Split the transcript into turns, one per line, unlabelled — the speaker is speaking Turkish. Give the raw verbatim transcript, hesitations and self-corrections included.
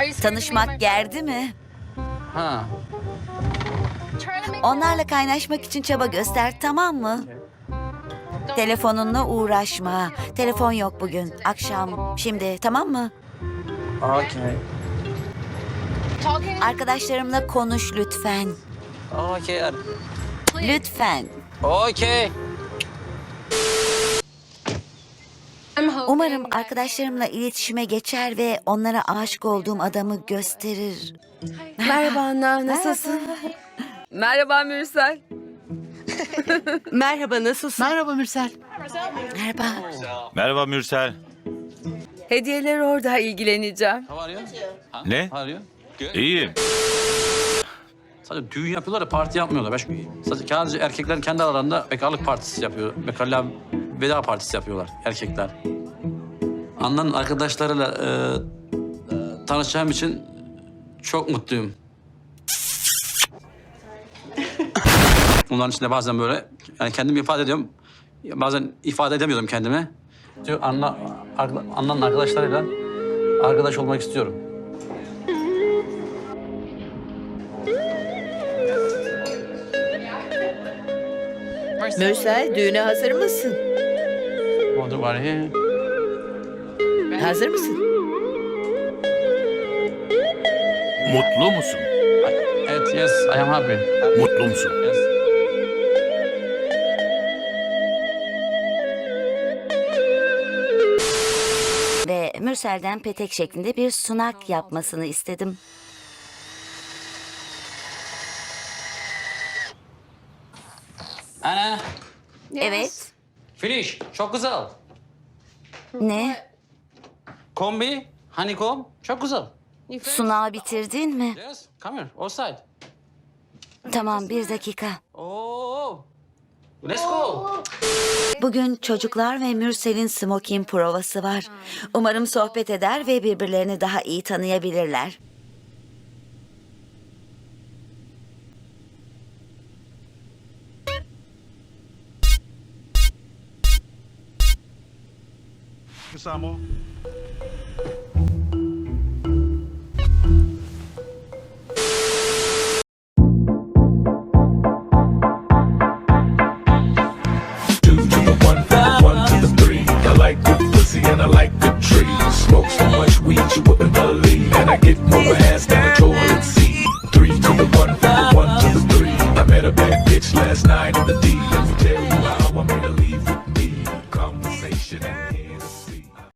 Tanışmak gerdi mi?
Ha.
Onlarla kaynaşmak için çaba göster, tamam mı? Telefonunla uğraşma. Telefon yok bugün. Akşam, şimdi, tamam mı?
Okay.
Arkadaşlarımla konuş lütfen.
Okay.
Lütfen.
Okay.
Umarım arkadaşlarımla iletişime geçer ve onlara aşık olduğum adamı gösterir.
Merhaba Anna, nasılsın? Merhaba Mürsel. Merhaba, nasılsın?
Merhaba Mürsel.
Merhaba.
Merhaba Mürsel.
Hediyeler orada, ilgileneceğim.
How are you?
Ne?
How are you?
İyiyim.
Sadece düğün yapıyorlar da parti yapmıyorlar. Başka, sadece, sadece erkekler kendi aralarında bekarlık partisi yapıyor. Bekarlığa veda partisi yapıyorlar erkekler. Anna'nın arkadaşlarıyla e, e, tanışacağım için çok mutluyum. Onların içinde bazen böyle yani kendimi ifade ediyorum. Bazen ifade edemiyordum kendimi. Diyor Anna, Anna'nın arkadaşlarıyla arkadaş olmak istiyorum.
Mürsel, düğüne hazır mısın?
Oldu var ya.
Hazır mısın?
Mutlu musun?
Evet, yes, I am happy.
Mutlu musun?
Yes.
Ve Mürsel'den petek şeklinde bir sunak yapmasını istedim.
Ana,
Evet.
finish. Çok güzel.
Ne?
Kombi, honeycomb, çok güzel.
Sunağı bitirdin mi?
Yes, come here, outside.
Tamam, bir dakika.
Oh, let's go.
Bugün çocuklar ve Mürsel'in smoking provası var. Umarım sohbet eder ve birbirlerini daha iyi tanıyabilirler.
Samo.
Two to the one, one to the three. I like good pussy and I like good trees. Smoke so much weed you wouldn't believe, and I get more ass than a toilet seat. Three to the one, one to the three. I met a bad bitch last night in the D. Let me tell